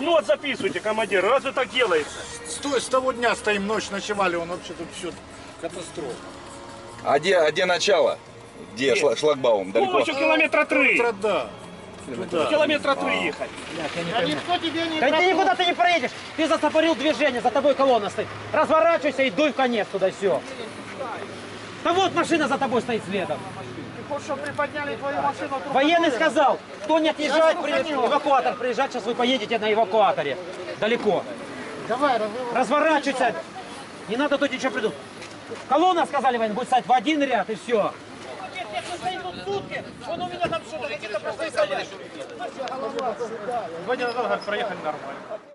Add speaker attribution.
Speaker 1: блокнот записывайте, командир. Разве так делается?
Speaker 2: С того дня стоим, ночь ночевали, он вообще тут все катастрофа.
Speaker 3: А где начало? Где шлагбаум?
Speaker 1: Ну,
Speaker 3: Далеко?
Speaker 1: еще километра 3.
Speaker 2: Да.
Speaker 1: Километра 3 ехать.
Speaker 4: Никто тебе не
Speaker 5: Да ты никуда ты не проедешь. Ты застопорил движение, за тобой колонна стоит. Разворачивайся и дуй в конец туда, все. Да вот машина за тобой стоит следом.
Speaker 4: Ты хочешь, чтобы приподняли твою машину?
Speaker 5: Военный сказал, кто не отъезжает, эвакуатор приезжать, сейчас вы поедете на эвакуаторе. Далеко.
Speaker 4: Давай,
Speaker 5: Разворачивайся. Не надо тут ничего придумать. Колонна, сказали военные, будет стоять в один ряд и все. Он у меня там что-то, какие-то простые коллеги.
Speaker 4: Сегодня проехали нормально.